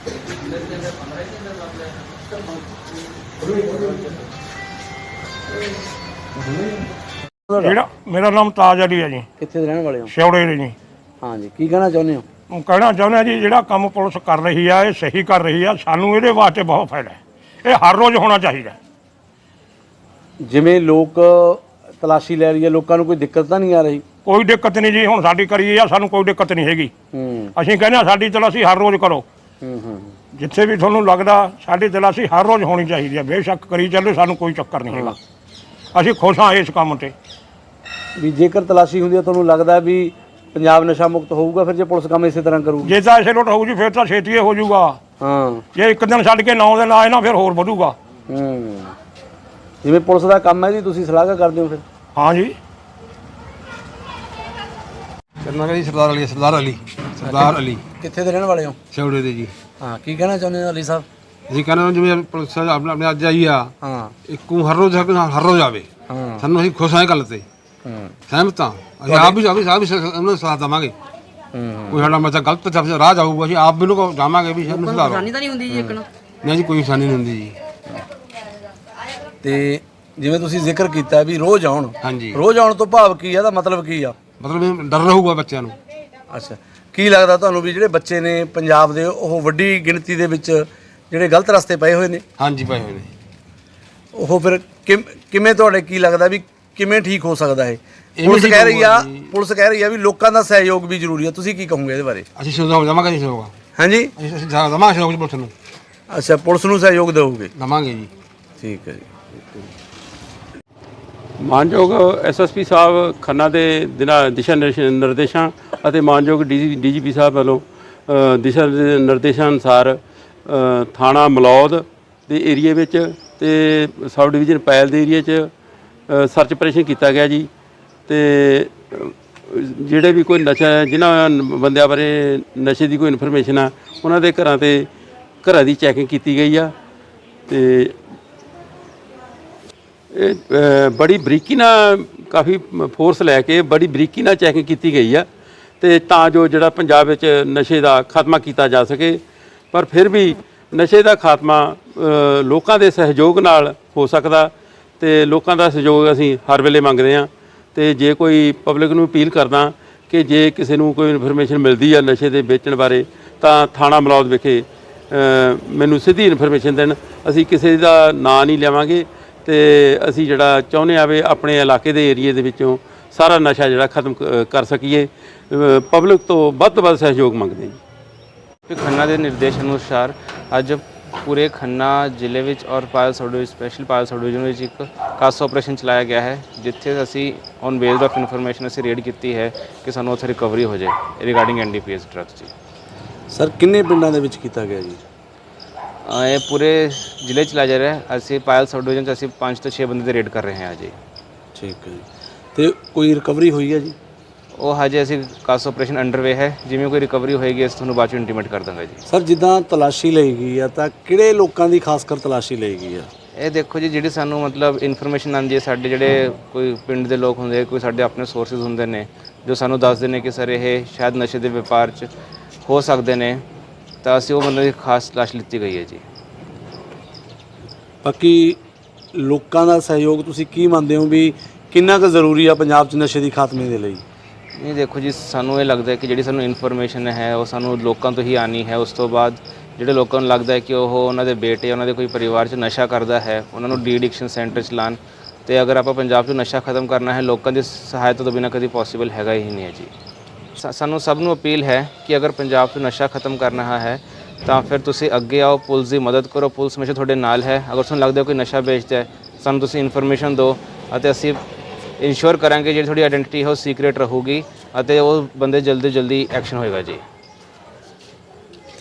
ਜਿਹੜਾ ਮੇਰਾ ਨਾਮ ਤਾਜ ਅਲੀ ਹੈ ਜੀ। ਕਿੱਥੇ ਦੇ ਰਹਿਣ ਵਾਲੇ ਹੋ? ਸਿਉੜੇ ਦੇ ਜੀ। ਹਾਂ ਜੀ, ਕੀ ਕਹਿਣਾ ਚਾਹੁੰਦੇ ਹੋ? ਕਹਿਣਾ ਚਾਹੁੰਦੇ ਜੀ, ਜਿਹੜਾ ਕੰਮ ਪੁਲਿਸ ਕਰ ਰਹੀ ਆ ਇਹ ਸਹੀ ਕਰ ਰਹੀ ਆ। ਸਾਨੂੰ ਇਹਦੇ ਵਾਸਤੇ ਬਹੁਤ ਫਾਇਦਾ ਹੈ। ਇਹ ਹਰ ਰੋਜ਼ ਹੋਣਾ ਚਾਹੀਦਾ। ਜਿਵੇਂ ਲੋਕ ਤਲਾਸ਼ੀ ਲੈ ਰਹੀ ਹੈ, ਲੋਕਾਂ ਨੂੰ ਕੋਈ ਦਿੱਕਤ ਤਾਂ ਨਹੀਂ ਆ ਰਹੀ? ਕੋਈ ਦਿੱਕਤ ਨਹੀਂ ਜੀ, ਹੁਣ ਸਾਡੀ ਕਰੀ ਆ, ਸਾਨੂੰ ਕੋਈ ਦਿੱਕਤ ਨਹੀਂ ਹੈਗੀ। ਅਸੀਂ ਕਹਿੰਦੇ ਹਾਂ ਸਾਡੀ ਤਲਾਸ਼ੀ ਹਰ ਰੋਜ਼ ਕਰੋ। ਜਿੱਥੇ ਵੀ ਤੁਹਾਨੂੰ ਲੱਗਦਾ ਸਾਡੀ ਤਲਾਸ਼ੀ ਹਰ ਰੋਜ਼ ਹੋਣੀ ਚਾਹੀਦੀ ਹੈ। ਬੇਸ਼ੱਕ ਕਰੀ ਚੱਲੋ, ਸਾਨੂੰ ਕੋਈ ਚੱਕਰ ਨਹੀਂ ਹੈਗਾ। ਅਸੀਂ ਖੁਸ਼ ਹਾਂ ਇਸ ਕੰਮ ਤੇ। ਵੀ ਜੇਕਰ ਤਲਾਸ਼ੀ ਹੁੰਦੀ ਹੈ, ਤੁਹਾਨੂੰ ਲੱਗਦਾ ਵੀ ਪੰਜਾਬ ਨਸ਼ਾ ਮੁਕਤ ਹੋਊਗਾ ਫਿਰ ਜੇ ਪੁਲਿਸ ਕੰਮ ਇਸੇ ਤਰ੍ਹਾਂ ਕਰੂਗੀ? ਜੇ ਤਾਂ ਇਸੇ ਲੋਟ ਹੋਊ ਜੀ ਫਿਰ ਤਾਂ ਛੇਤੀ ਹੋ ਜਾਊਗਾ। ਹਾਂ, ਜੇ ਇੱਕ ਦਿਨ ਛੱਡ ਕੇ 9 ਦਿਨ ਆਏ ਨਾ ਫਿਰ ਹੋਰ ਵਧੂਗਾ। ਜਿਵੇਂ ਪੁਲਿਸ ਦਾ ਕੰਮ ਹੈ ਜੀ, ਤੁਸੀਂ ਸਲਾਹ ਕਰਦੇ ਹੋ ਫਿਰ? ਹਾਂ ਜੀ। ਕਰਨਾ ਜੀ ਸਰਦਾਰ ਅਲੀ ਕਿੱਥੇ ਦੇ ਰਹਿਣ ਵਾਲੇ ਹੋ? ਸਿਉੜੇ ਦੇ ਜੀ। ਹਾਂ, ਕੀ ਕਹਿਣਾ ਚਾਹੁੰਦੇ ਹੋ ਅਲੀ ਸਾਹਿਬ? ਅਸੀਂ ਕਹਿੰਦੇ ਜਿਵੇਂ ਪੁਲਿਸ ਆਪਣੇ ਅੱਜ ਆਈ ਆ, ਹਾਂ, ਇੱਕੋ ਹਰ ਰੋਜ਼ ਆਵੇ। ਹਾਂ, ਸਾਨੂੰ ਅਸੀਂ ਖੁਸ਼ ਹਾਂ ਇਹ ਗੱਲ ਤੇ, ਸਹਿਮਤ ਹਾਂ। ਅਸੀਂ ਆਪ ਵੀ ਉਹਨਾਂ ਨੂੰ ਸਲਾਹ ਦੇਵਾਂਗੇ। ਕੋਈ ਸਾਡਾ ਬੱਚਾ ਗਲਤ ਰਾਹ ਜਾਊਗਾ, ਅਸੀਂ ਆਪ ਵੀ ਉਹਨੂੰ ਜਾਵਾਂਗੇ ਵੀ ਸਾਨੂੰ ਸੁਧਾਰੋ। ਤਾਂ ਨਹੀਂ ਹੁੰਦੀ ਜੀ ਇੱਕ ਨੂੰ? ਨਹੀਂ ਜੀ, ਕੋਈ ਨਿਸ਼ਾਨੀ ਨਹੀਂ ਹੁੰਦੀ ਜੀ। ਤੇ ਜਿਵੇਂ ਤੁਸੀਂ ਜ਼ਿਕਰ ਕੀਤਾ ਵੀ ਰੋਜ਼ ਆਉਣ, ਹਾਂਜੀ, ਰੋਜ਼ ਆਉਣ ਤੋਂ ਭਾਵ ਕੀ ਆ? ਦਾ ਮਤਲਬ ਕੀ ਆ? ਮਤਲਬ ਡਰ ਰਹੂਗਾ ਬੱਚਿਆਂ ਨੂੰ। ਅੱਛਾ, ਕੀ ਲੱਗਦਾ ਤੁਹਾਨੂੰ ਵੀ ਜਿਹੜੇ ਬੱਚੇ ਨੇ ਪੰਜਾਬ ਦੇ ਉਹ ਵੱਡੀ ਗਿਣਤੀ ਦੇ ਵਿੱਚ ਜਿਹੜੇ ਗਲਤ ਰਸਤੇ ਪਏ ਹੋਏ ਨੇ? ਹਾਂਜੀ, ਪਏ ਹੋਏ ਨੇ। ਉਹ ਫਿਰ ਕਿਵੇਂ ਤੁਹਾਡੇ ਕੀ ਲੱਗਦਾ ਵੀ ਕਿਵੇਂ ਠੀਕ ਹੋ ਸਕਦਾ ਹੈ? ਪੁਲਿਸ ਕਹਿ ਰਹੀ ਆ ਵੀ ਲੋਕਾਂ ਦਾ ਸਹਿਯੋਗ ਵੀ ਜ਼ਰੂਰੀ ਆ। ਤੁਸੀਂ ਕੀ ਕਹੋਗੇ ਇਹਦੇ ਬਾਰੇ? ਅਸੀਂ ਸਹਿਯੋਗ ਦੇਵਾਂਗੇ ਜੀ। ਹਾਂਜੀ, ਅਸੀਂ ਦੇਵਾਂਗੇ ਸਹਿਯੋਗ ਪੁਲਿਸ ਨੂੰ। ਅੱਛਾ, ਪੁਲਿਸ ਨੂੰ ਸਹਿਯੋਗ ਦਿਓਗੇ? ਦੇਵਾਂਗੇ ਜੀ। ਠੀਕ ਹੈ ਜੀ। ਮਾਨਯੋਗ ਐਸਐਸਪੀ ਸਾਹਿਬ ਖੰਨਾ ਦੇ ਦਿਸ਼ਾ ਨਿਰਦੇਸ਼ਾਂ ਅਤੇ ਮਾਨਯੋਗ ਡੀਜੀਪੀ ਸਾਹਿਬ ਵੱਲੋਂ ਦਿਸ਼ਾ ਨਿਰਦੇਸ਼ਾਂ ਅਨੁਸਾਰ ਥਾਣਾ ਮਲੌਦ ਦੇ ਏਰੀਏ ਵਿੱਚ ਤੇ ਸਬ ਡਿਵੀਜ਼ਨ ਪੈਲ ਦੇ ਏਰੀਏ 'ਚ ਸਰਚ ਆਪਰੇਸ਼ਨ ਕੀਤਾ ਗਿਆ ਜੀ। ਤੇ ਜਿਹੜੇ ਵੀ ਕੋਈ ਨਸ਼ਾ, ਜਿਨ੍ਹਾਂ ਬੰਦਿਆਂ ਬਾਰੇ ਨਸ਼ੇ ਦੀ ਕੋਈ ਇਨਫੋਰਮੇਸ਼ਨ ਆ, ਉਹਨਾਂ ਦੇ ਘਰਾਂ ਦੀ ਚੈਕਿੰਗ ਕੀਤੀ ਗਈ ਆ। ਤੇ ਇਹ ਬੜੀ ਬਰੀਕੀ ਨਾਲ, ਕਾਫੀ ਫੋਰਸ ਲੈ ਕੇ ਬੜੀ ਬਰੀਕੀ ਨਾਲ ਚੈਕਿੰਗ ਕੀਤੀ ਗਈ ਆ, ਤੇ ਤਾਂ ਜੋ ਜਿਹੜਾ ਪੰਜਾਬ ਵਿੱਚ ਨਸ਼ੇ ਦਾ ਖਾਤਮਾ ਕੀਤਾ ਜਾ ਸਕੇ। ਪਰ ਫਿਰ ਵੀ ਨਸ਼ੇ ਦਾ ਖਾਤਮਾ ਲੋਕਾਂ ਦੇ ਸਹਿਯੋਗ ਨਾਲ ਹੋ ਸਕਦਾ, ਤੇ ਲੋਕਾਂ ਦਾ ਸਹਿਯੋਗ ਅਸੀਂ ਹਰ ਵੇਲੇ ਮੰਗਦੇ ਹਾਂ। ਤੇ ਜੇ ਕੋਈ ਪਬਲਿਕ ਨੂੰ ਅਪੀਲ ਕਰਦਾ ਕਿ ਜੇ ਕਿਸੇ ਨੂੰ ਕੋਈ ਇਨਫੋਰਮੇਸ਼ਨ ਮਿਲਦੀ ਆ ਨਸ਼ੇ ਦੇ ਵੇਚਣ ਬਾਰੇ, ਤਾਂ ਥਾਣਾ ਮਲੌਦ ਵਿਖੇ ਮੈਨੂੰ ਸਿੱਧੀ ਇਨਫੋਰਮੇਸ਼ਨ ਦੇਣ। ਅਸੀਂ ਕਿਸੇ ਦਾ ਨਾਂ ਨਹੀਂ ਲਵਾਂਗੇ, ਤੇ ਅਸੀਂ ਜਿਹੜਾ ਚਾਹੁੰਦੇ ਆ ਵੀ ਆਪਣੇ ਇਲਾਕੇ ਦੇ ਏਰੀਏ ਦੇ ਵਿੱਚੋਂ ਸਾਰਾ ਨਸ਼ਾ ਜਿਹੜਾ ਖਤਮ ਕਰ ਸਕੀਏ। ਪਬਲਿਕ ਤੋਂ ਵੱਧ ਤੋਂ ਵੱਧ ਸਹਿਯੋਗ ਮੰਗਦੇ ਜੀ। ਖੰਨਾ ਦੇ ਨਿਰਦੇਸ਼ ਅਨੁਸਾਰ ਅੱਜ ਪੂਰੇ ਖੰਨਾ ਜ਼ਿਲ੍ਹੇ ਵਿੱਚ ਔਰ Payal sub division, special Payal sub division ਵਿੱਚ ਇੱਕ ਖਾਸ ਆਪਰੇਸ਼ਨ ਚਲਾਇਆ ਗਿਆ ਹੈ, ਜਿੱਥੇ ਅਸੀਂ ਔਨ ਬੇਸਡ ਆਫ ਇਨਫੋਰਮੇਸ਼ਨ ਅਸੀਂ ਰੇਡ ਕੀਤੀ ਹੈ ਕਿ ਸਾਨੂੰ ਉੱਥੇ ਰਿਕਵਰੀ ਹੋ ਜਾਏ ਰਿਗਾਰਡਿੰਗ ਐਨਡੀਪੀਐਸ ਡਰੱਗਸ ਜੀ। ਸਰ, ਕਿੰਨੇ ਪਿੰਡਾਂ ਦੇ ਵਿੱਚ ਕੀਤਾ ਗਿਆ ਜੀ? ਇਹ ਪੂਰੇ ਜ਼ਿਲ੍ਹੇ ਚਲਾਇਆ ਜਾ ਰਿਹਾ ਹੈ। ਅਸੀਂ ਪਾਇਲ ਸਬ ਡਿਵੀਜ਼ਨ 'ਚ ਅਸੀਂ 5 ਤੋਂ 6 ਬੰਦੇ ਦੀ ਰੇਡ ਕਰ ਰਹੇ ਹਾਂ ਜੀ। ਠੀਕ ਹੈ ਜੀ। ਤੇ ਕੋਈ ਰਿਕਵਰੀ ਹੋਈ ਹੈ ਜੀ? ਉਹ ਹਜੇ ਅਸੀਂ ਖਾਸ ਆਪਰੇਸ਼ਨ ਅੰਡਰਵੇ ਹੈ। ਜਿਵੇਂ ਕੋਈ ਰਿਕਵਰੀ ਹੋਏਗੀ ਅਸੀਂ ਤੁਹਾਨੂੰ ਬਾਅਦ 'ਚ ਇੰਟੀਮੇਟ ਕਰ ਦਾਂਗੇ ਜੀ। ਸਰ, ਜਿੱਦਾਂ ਤਲਾਸ਼ੀ ਲਈ ਗਈ ਆ ਤਾਂ ਕਿਹੜੇ ਲੋਕਾਂ ਦੀ ਖਾਸ ਕਰ ਤਲਾਸ਼ੀ ਲਈ ਗਈ ਆ? ਇਹ ਦੇਖੋ ਜੀ, ਜਿਹੜੀ ਸਾਨੂੰ ਮਤਲਬ ਇਨਫੋਰਮੇਸ਼ਨ ਆਉਂਦੀ ਹੈ, ਸਾਡੇ ਜਿਹੜੇ ਕੋਈ ਪਿੰਡ ਦੇ ਲੋਕ ਹੁੰਦੇ, ਕੋਈ ਸਾਡੇ ਆਪਣੇ ਸੋਰਸਿਸ ਹੁੰਦੇ ਨੇ ਜੋ ਸਾਨੂੰ ਦੱਸਦੇ ਨੇ ਕਿ ਸਰ ਇਹ ਸ਼ਾਇਦ ਨਸ਼ੇ ਦੇ ਵਪਾਰ 'ਚ ਹੋ ਸਕਦੇ ਨੇ, ਤਾਂ ਅਸੀਂ ਉਹ ਬੰਦੇ ਦੀ ਖਾਸ ਤਲਾਸ਼ ਲਿੱਤੀ ਗਈ ਹੈ ਜੀ। ਬਾਕੀ ਲੋਕਾਂ ਦਾ ਸਹਿਯੋਗ ਤੁਸੀਂ ਕੀ ਮੰਨਦੇ ਹੋ ਵੀ ਕਿੰਨਾ ਕੁ ਜ਼ਰੂਰੀ ਆ ਪੰਜਾਬ 'ਚ ਨਸ਼ੇ ਦੀ ਖਾਤਮੇ ਦੇ ਲਈ? ਨਹੀਂ, ਦੇਖੋ ਜੀ, ਸਾਨੂੰ ਇਹ ਲੱਗਦਾ ਹੈ ਕਿ ਜਿਹੜੀ ਸਾਨੂੰ ਇਨਫੋਰਮੇਸ਼ਨ ਹੈ ਉਹ ਸਾਨੂੰ ਲੋਕਾਂ ਤੋਂ ਹੀ ਆਉਣੀ ਹੈ। ਉਸ ਤੋਂ ਬਾਅਦ ਜਿਹੜੇ ਲੋਕਾਂ ਨੂੰ ਲੱਗਦਾ ਹੈ ਕਿ ਉਹ ਉਹਨਾਂ ਦੇ ਬੇਟੇ, ਉਹਨਾਂ ਦੇ ਕੋਈ ਪਰਿਵਾਰ 'ਚ ਨਸ਼ਾ ਕਰਦਾ ਹੈ, ਉਹਨਾਂ ਨੂੰ ਡੀ ਐਡਿਕਸ਼ਨ ਸੈਂਟਰ 'ਚ ਲਾਉਣ। ਤੇ ਅਗਰ ਆਪਾਂ ਪੰਜਾਬ 'ਚ ਨਸ਼ਾ ਖਤਮ ਕਰਨਾ ਹੈ, ਲੋਕਾਂ ਦੀ ਸਹਾਇਤਾ ਤੋਂ ਬਿਨਾਂ ਕਦੀ ਪੋਸੀਬਲ ਹੈਗਾ ਹੀ ਨਹੀਂ ਹੈ ਜੀ। ਸਾਨੂੰ ਸਭ ਨੂੰ ਅਪੀਲ ਹੈ ਕਿ ਅਗਰ ਪੰਜਾਬ 'ਚ ਨਸ਼ਾ ਖਤਮ ਕਰਨਾ ਹੈ ਤਾਂ ਫਿਰ ਤੁਸੀਂ ਅੱਗੇ ਆਓ, ਪੁਲਿਸ ਦੀ ਮਦਦ ਕਰੋ। ਪੁਲਿਸ ਹਮੇਸ਼ਾ ਤੁਹਾਡੇ ਨਾਲ ਹੈ। ਅਗਰ ਤੁਹਾਨੂੰ ਲੱਗਦਾ ਕੋਈ ਨਸ਼ਾ ਵੇਚਦਾ ਹੈ, ਸਾਨੂੰ ਤੁਸੀਂ ਇਨਫੋਰਮੇਸ਼ਨ ਦਿਓ ਅਤੇ ਅਸੀਂ ਇੰਸ਼ੋਰ ਕਰਾਂਗੇ ਜਿਹੜੀ ਤੁਹਾਡੀ ਆਇਡੈਂਟੀਟੀ ਹੈ ਉਹ ਸੀਕ੍ਰੇਟ ਰਹੂਗੀ ਅਤੇ ਉਹ ਬੰਦੇ ਜਲਦੀ ਐਕਸ਼ਨ ਹੋਏਗਾ ਜੀ।